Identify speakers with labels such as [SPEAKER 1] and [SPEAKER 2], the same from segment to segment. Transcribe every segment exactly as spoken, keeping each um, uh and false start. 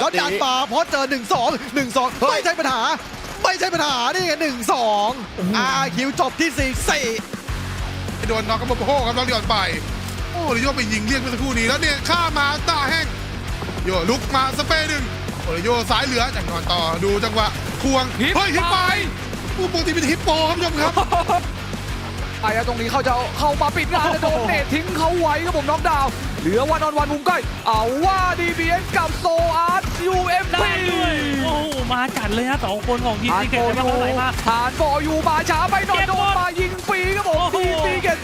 [SPEAKER 1] เขาดันมาเพราะเจอหนึ่งสองหนึ่งสองไม่ใช่ปัญหาไม่ใช่ปัญหานี่ไงหนึ่งสองอาคิวจบที่สี่สี่
[SPEAKER 2] โดนน็อกกับโบโฮครับน้องเดียนไปโอ้ลิโยไปยิงเรียกเมื่อสักครู่นี้แล้วเนี่ยข้ามาตาแห้งโยลุกมาสเปรย์หนึ่งโอริโยซ้ายเหลือจากนอนต่อดูจังหวะควงเฮ้ยฮิปไปผู้ปกติเป็นฮิปโปครับผู้ชมครับ
[SPEAKER 3] ไอ้ตรงนี้เขาจะเข้ามาปิดงานแต่โดนเนตทิ้งเขาไว้ครับผมน็อกดาวน์เหลือวันออนวันมุมใกล้เอาว่า ดี บี เอส กับโซอาร์ต ยู เอ็ม พี
[SPEAKER 4] ได้ด้วยโอ้โหมาจัดเลยฮะสองคนของทีม
[SPEAKER 3] ทาน
[SPEAKER 4] ซีเก
[SPEAKER 3] โฟ
[SPEAKER 4] ต
[SPEAKER 3] ยู
[SPEAKER 4] มาไหลมา
[SPEAKER 3] ทานโฟยูมาช้าไปหน่อยโดนมายิงฟรีครับผมทีมซีเกต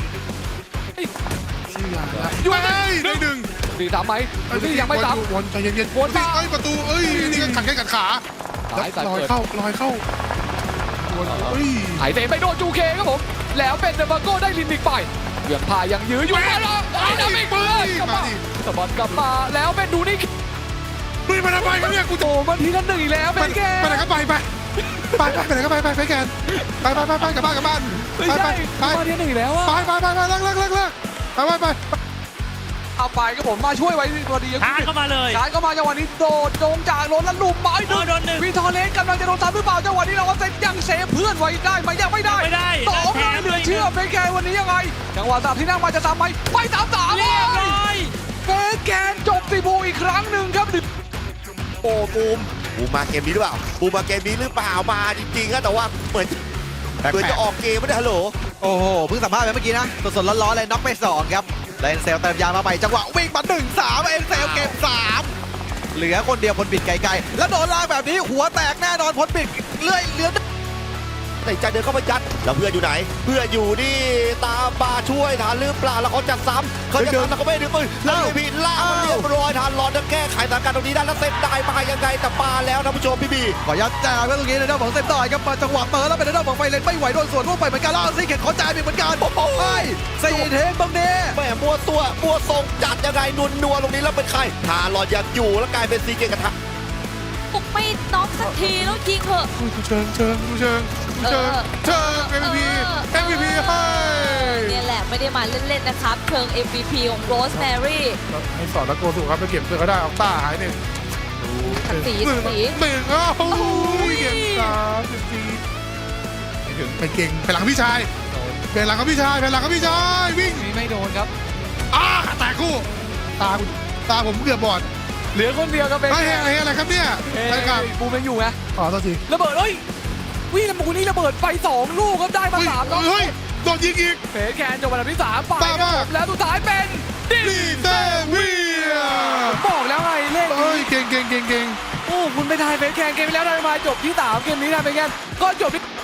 [SPEAKER 2] ยูเอ้ยได้หนึ่ง
[SPEAKER 3] ดีทำไหมนี่ยังไม่ทำ
[SPEAKER 2] วนใจเย็นๆวนเอ้ยประตูเอ้ยนี่ก็ขัดแข้งขัดขาลอยเข้าลอยเข้าวนเอ้ย
[SPEAKER 3] ไถเตะไปโดนจูเคครับผมแล้วเป็นเดบังโก้ได้ลินดิกไปเบี่ยงพายังยื้ออยู่มาแล้วไอ้ดามิกเบิร์ดกลับมาสปอตกลับมาแล้วเป็นดูนี่
[SPEAKER 2] เฮ้ยมันทำไมกันเนี่ยกู
[SPEAKER 3] โอ้มันทีละหนึ่งอีกแล้วเป็นแก
[SPEAKER 2] ไปไหนก็ไปไปไปไปไปไหนก็ไปไปไปแกนไปไปไปไปกลับบ้านกลับบ้าน
[SPEAKER 3] ไม่
[SPEAKER 2] ไป
[SPEAKER 3] ใช่
[SPEAKER 2] ไปไป
[SPEAKER 3] มาทีละหนึ่งอีกแล้วอะ
[SPEAKER 2] ไปไปไปไปเลิกเลิกเลิกเลิกไปไปไป
[SPEAKER 3] เอาไปครับผมมาช่วยไว้พอดี
[SPEAKER 4] ทานเข้ามาเลย
[SPEAKER 3] การเข้ามาจังหวะนี้โดดโจงจากล้นแล้วลุมไม้
[SPEAKER 4] โดนโดนหนึ่ง
[SPEAKER 3] วิทอเลสกำลังจะโดนตามหรือเปล่าจังหวะนี้เราเซตยังเซฟเพื่อนไว้ได้ไหมยังไม่ได้
[SPEAKER 4] ไม่ได้
[SPEAKER 3] สองเลยเหลือเชื่อเฟสแกนวันนี้ยังไงจังหวะสามที่นั่งมาจะตามไหมไปตามสาม
[SPEAKER 4] เรียบร้อย
[SPEAKER 3] เฟสแกนจบสิบูอีกครั้งหนึ่งครับ
[SPEAKER 5] โอ้บูมบูมมาเกมนี้หรือเปล่าบูมมาเกมนี้หรือเปล่ามาจริงๆนะแต่ว่าเหมือนเหมือนจะออกเกมไม่ได้ฮัลโหล
[SPEAKER 1] โอ้โหเพิ่งสัมภาษณ์ไปเมื่อกี้นะสดๆร้อนๆเลยน็อกไปสองครับแล้วเอ็นเซลเติมยามาใหม่จังหวะวิ่งมาหนึ่งสามเอ็นเซลเก็บสามเหลือคนเดียวพลบิดไกลๆแล้วโดนลากแบบนี้หัวแตกแน่นอนพลบิดเลื่อยเหลือ
[SPEAKER 5] ในใจเดินเข้าไปยัดแล้วเพื่อนอยู่ไหนเพื่อนอยู่นี่ตามมาช่วยทันหรือเปล่าแล้วเขาจัดซ้ำเขาจะซ้ำแล้วเขาไม่ดึงปืนแล้วพี่ล่ามันเรียบร้อยทันรอจะแก้ไขสถานการณ์ตรงนี้ได้แล้วเซฟได้มายังไงแต่ปาแล้วท่านผู้ชมพี่บี
[SPEAKER 1] ขอยัดแจกไว้ตรงนี้ในด้านของเซฟต่อยครับมาจังหวะเปิดแล้วเป็นในด้านของไฟเลนไม่ไหวโดนสวนร่วงไปเหมือนกันแล้วซีเข็ดขอจ่ายไปเหมือนกันโอ้ยสี่เทคตรงนี้
[SPEAKER 5] แม่มัวตัวมัวทรงจัดยังไงนวลนัวตรงนี้แล้วเป็นใครทารอดยังอยู่แล้วกลายเป็นซีเกมกระทะ
[SPEAKER 6] ปลุกไม่น็อกสักทีแล้วยิงเถอะ
[SPEAKER 2] ดูเชิงเชิงดูเชิงดูเชิงเชิง เอ็ม วี พี เอ็ม วี พี ให้
[SPEAKER 6] เนี่ยแหละไม่ได้มาเล่นๆนะครับเชิง เอ็ม วี พี ของโรสแมรี่
[SPEAKER 2] ให้สอนแล้วโกสุครับไปเก็บเพื่อนเขาได้ออกต้าหายหนึ่ง
[SPEAKER 6] สี
[SPEAKER 2] หนึ่ง
[SPEAKER 6] สี
[SPEAKER 2] หนึ่งอ้าวเก็บสามสิบสี่ไปถึงไปเก่งไปหลังพี่ชายไปหลังกับพี่ชายไปหลังกับพี่ชายวิ่ง
[SPEAKER 3] นี่ไม่โดนครับ
[SPEAKER 2] อ้าตาคู่ตาตาผมเกือบบอด
[SPEAKER 3] เหลือคนเดียวครับเป็น
[SPEAKER 2] ไอ้เฮ้ยอะไรอะไรครับเนี่ย
[SPEAKER 3] เอ้
[SPEAKER 2] อะไรครับ
[SPEAKER 3] ยบูมยังอยู่ไง
[SPEAKER 2] อ๋อตัวที
[SPEAKER 3] ระเบิดเอ้ยวิ่งแล้วมูนี่ระเบิดไปสองลูกครับได้มา
[SPEAKER 2] เฮ้ย
[SPEAKER 3] สามแล้ว
[SPEAKER 2] เฮ้ยโดนยิงอีก
[SPEAKER 3] เฟสแคนจบอันดับที่สามไป
[SPEAKER 2] บ้า
[SPEAKER 3] ครับ
[SPEAKER 2] มาก
[SPEAKER 3] ผมแล้วสุดท้ายเป็นดิ
[SPEAKER 2] ลีเซเวีย
[SPEAKER 3] บอกแล้วไงเลข
[SPEAKER 2] เอ้ยเก่งเก่งเก่งเก่ง
[SPEAKER 3] โอ้คุณไปทายเฟสแคนเกมไปแล้วได้มาจบที่สามเกมนี้นะเป็นไงก็จบที่